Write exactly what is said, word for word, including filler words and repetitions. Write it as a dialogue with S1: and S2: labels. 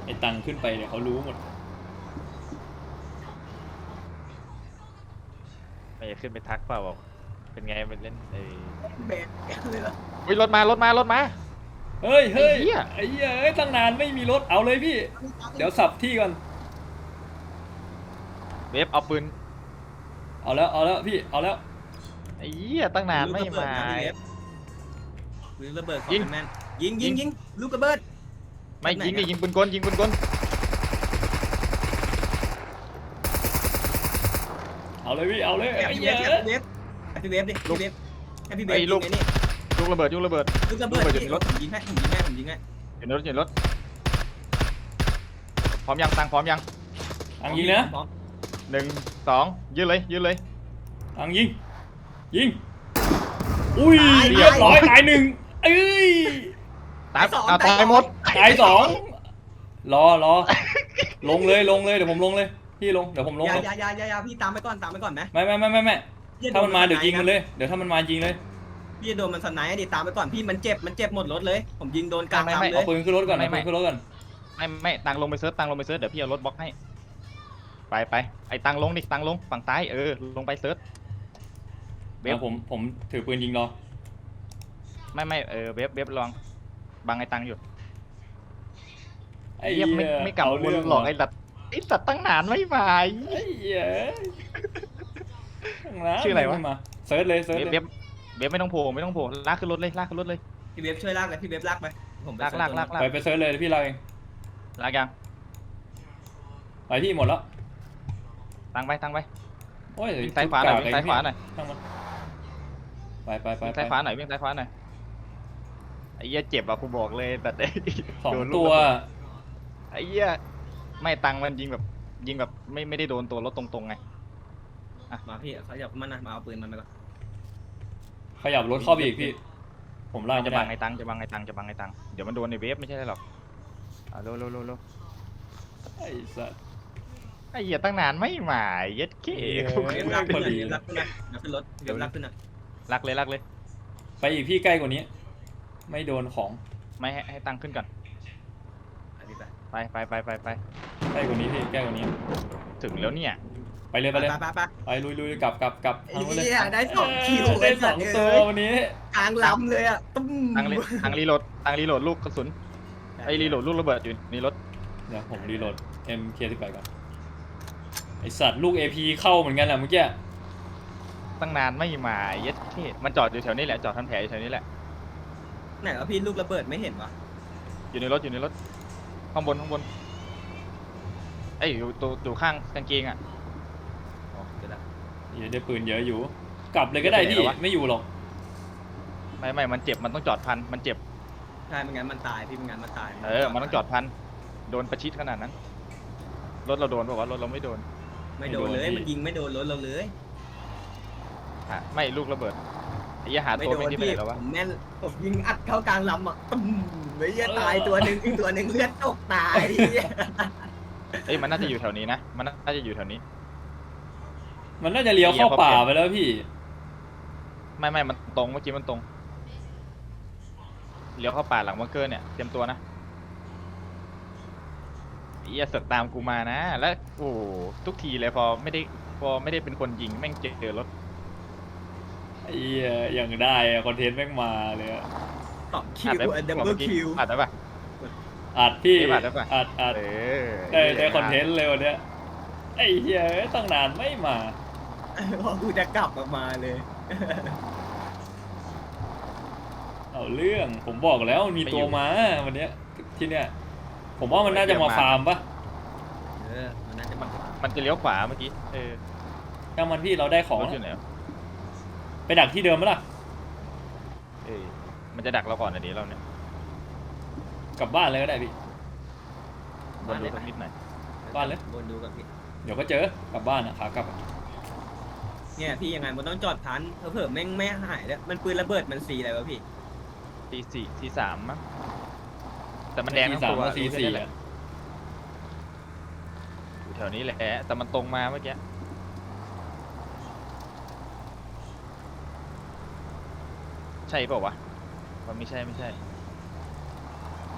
S1: อ้ตังขึ้นไปเนี่ยเขารู้หมด
S2: ไม่ขึ้นไปทักเปล่าบอกเป็นไงมันเล่นไอ้
S3: เบสเลยเหรอ
S2: วิรถมารถมารถมา
S1: เฮ้ยเฮ้ย
S2: ไอ้เหี้ย
S1: ไอ้เหี้ยเอ้ยตั้งนานไม่มีรถเอาเลยพี่เดี๋ยวสับที่ก่อน
S2: เวฟเอาปืน
S1: เอาแล้วเอาแล้วพี่เอาแล้ว
S2: ไอ้เหี้ยตั้งนานไม่มา
S3: ลูกระเบิดยิงแมนยิงยิงยิงลูกระเบิด
S2: ไม่ยิงดิยิงปืนกลยิงปืนกล
S1: เอาเลยพี่เอาเลยไอ้
S3: พี่เว
S1: เหี้ย
S3: ฟพี่เวฟดิพี่เวฟให้พี่เวฟยิงไอ้นี่
S2: ลูกระเบิดลูกระเบิด
S3: ลูกระเบิดอยู่ในรถผมยิงให้ผมยิงให้ผมยิงให้
S2: อยู่ในรถอยู่ในรถพร้อมยังตังพร้อมยัง
S1: ตังยิงนะ
S2: หนึ่งสองยืนเลยยืนเลย
S1: ตังยิงยิงอุ้ยเรียบร้อยตายหนึ่งเอ้ย
S2: ตายสองตายหมด
S1: ตายสองรอรอลงเลยลงเลยเดี๋ยวผมลงเลยพี่ลงเดี๋ยวผมลง
S3: อย่าอย่าอย่าอย่าพี่ตามไปก่อนตามไปก่อนไหม
S1: ไม่ไม่ไม่ไม่ไม่ถ้ามันมาเดี๋ยวยิงมันเลยเดี๋ยวถ้ามันมายิงเลย
S3: พี่โดนมันสไนด์ดิตามไปก่อนพี่มันเจ็บมันเจ็บหมดรถเลยผมยิงโดนกลางลำเลย
S1: เอาปืนขึ้นรถก่อนเอาปืนขึ้นรถก่อน
S2: ไม่ไม่ตังลงไปเซิร์ฟตังลงไปเซิร์ฟเดี๋ยวพี่เอารถบล็อกให้ไปไปไอ้ตังลงดิตังลงฝั่งซ้ายเออลงไปเซิร์ฟ
S1: เวฟผมผมถือปืนยิงรอ
S2: ไม่ไม่เออเวฟเวฟลองบังไอ้ตังอยู่
S1: ไอ้เหี้ย
S2: ไม่ไม่กลับวนหลอกไอ้สัตว์ไอ้สัตว์ตั้งนานไม่มา
S1: ไอ้เหี้ย
S2: ชื่ออะไรวะ
S1: มาเซิร์ชเลยเซิร์ช
S2: เวฟเวฟไม่ต้องโผล่ไม่ต้องโผล่ลากขึ้นรถเลยลากขึ้นรถเลย
S3: พี่เวฟช่วยลากเลยพี่เวฟลากไป
S2: ผมลากลากลาก
S1: ไปไปเซิร์ชเลยพี่เราเอง
S2: ลากยัง
S1: ไปที่หมดแล้ว
S2: ตั้งไปตั้งไป
S1: โอ้ย
S2: วิ่งซ้ายขวาหน่อยวิ่งซ้ายขวาหน่อย
S1: ไปไปไป
S2: วิ่งซ้ายขวาหน่อยวิ่งซ้ายขวาหน่อยไอ้เหี้ยเจ็บอ่ะกูบอกเลยแต่
S1: สองตัว
S2: ไอ้เหี้ยไม่ตังมันยิงแบบยิงแบบไม่ไม่ได้โดนตัวรถตรงๆไง
S3: อ่ะมาพี่เขาอยากมันนะมาเอาปืนมันไปก่อน
S1: ขยับรถเข้าไปอีกพี่ผมล่า
S2: จะบังไอ้ตังจะบังไอ้ตังจะบังไอ้ตังเดี๋ยวมันโดนในเวฟไม่ใช่หรอกอ่ะโลโลโลโล
S1: ไอ้สัส
S2: ไอ้เหี้ยตั้งนานไม่มาเย็ดเก๋
S3: เวฟรักขึ้นนะรักขึ้นนะขึ้นรถเวฟรักขึ้นนะ
S2: รักเลยรักเลย
S1: ไปอีกพี่ใกล้กว่านี้ไม่โดนของ
S2: ไม่ให้ให้ตังขึ้นก่อนไปไปไปไปไป
S1: ใกล้กว่านี้พี่ใกล้กว่านี้
S2: ถึงแล้วเนี่ย
S1: ไปเลยไปเลย
S3: ไปไป
S1: ไปลุยลุยกลับกลับกลับ
S3: ทางเลยได้สองคิว
S1: ได้สองตัววันนี้
S3: กลางลำเลยอ่ะ
S2: ตั้งตั้งรีโหลดตั้งรีโหลดลูกกระสุนไอ้รีโหลดลูกระเบิดอยู่ในรถ
S1: เดี๋ยวผมรีโหลด เอ็ม เค สิบแปด ก่อนไอสัตว์ลูก เอ พี เข้าเหมือนกันแหละเมื่อกี้
S2: ตั้งนานไม่มาเย็ดเท่มันจอดอยู่แถวนี้แหละจอดทำแผลอยู่แถวนี้แหละ
S3: ไหนวะพี่ลูกระเบิดไม่เห็นวะ
S2: อยู่ในรถอยู่ในรถข้างบนข้างบนไอ้อยู่ตัวอยู่ข้างกางเกงอ่ะ
S1: อ๋อเดี๋ยวนะได้ปืนเยอะอยู่กลับเลยก็ได้พี่ไม่อยู่หรอก
S2: ไม่ไม่มันเจ็บมันต้องจอดพันมันเจ็บ
S3: ใช่ไม่งั้นมันตายพี่ไม่งั้นมันตาย
S2: เออมันต้องจอดพันโดนประชิดขนาดนั้นรถเราโดนป่าวะรถเราไม่โดน
S3: ไม่โดนเลยมันยิงไม่โดนรถเราเลย
S2: ไม่ลูกระเบิดไอ้ยาหาตัวไม่ที่ไปแล้ววะ
S3: ผมแม่นผมยิงอัดเข้ากลางลำอ่ะตุ้มไม่ยตายตัวหนึ่งอีกตัวหนึ่งเลือดตกตาย
S2: เอ้ยมันน่าจะอยู่แถวนี้นะมันน่าจะอยู่แถวนี้
S1: มันน่าจะเลี้ยวเข้าป่าไปแล้วพี่
S2: ไม่ไม่มันตรงเมื่อกี้มันตรงเลี้ยวเข้าป่าหลังบังเกอร์เนี่ยเตรียมตัวนะอย่าเสือกตามกูมานะแล้วโอ้ทุกทีเลยพอไม่ได้พอไม่ได้เป็นคนยิงแม่งเจอรถ
S1: ไอ้อย่างได้คอนเทนต์แม่งมาเลย
S3: สองคิวดับเบิลคิว
S2: อัดได้ปะ
S1: อัดพี่
S2: อัดได้ปะ
S1: อัดอัดได้ได้คอนเทนต์เลยวันนี้ไอ้เหี้ยตั้งนานไม่มา
S3: พอกูจะกลับมาเลย
S1: เอาเรื่องผมบอกแล้วมีตัวมาวันนี้ที่เนี้ยผมว่ามันน่าจะมาฟาร์มปะ
S3: เออมันน่าจะมา
S2: มันจะเลี้ยวขวาเมื่อกี้เออ
S1: ถ้ามันพี่เราได้ของ
S2: อยู่ไหน
S1: ไปดักที่เดิมมั้ยล่ะ
S2: เออมันจะดักเราก่อนนะดิเราเนี่ย
S1: กลับบ้านเลยก็ได้พี่
S2: บนดูสักนิดหน่อย
S1: บ้านเลย
S3: บนดูกับพี่
S1: เดี๋ยวก็เจอกลับบ้านอ่ะขากลับ
S3: เนี่ยพี่ยังไงมันต้องจอดพันเผื่อแม่งไม่หายแล้วมันปืนระเบิดมันสีอะไรวะพี่
S2: สีสี่สีสามมั้งแต่มันแดงทั้งตัว
S1: สีสี่อ่ะ
S2: อยู่แถวนี้แหละแต่มันตรงมาเมื่อกี้ใช่เปล่าวะมันไม่ใช่ไม่ใช่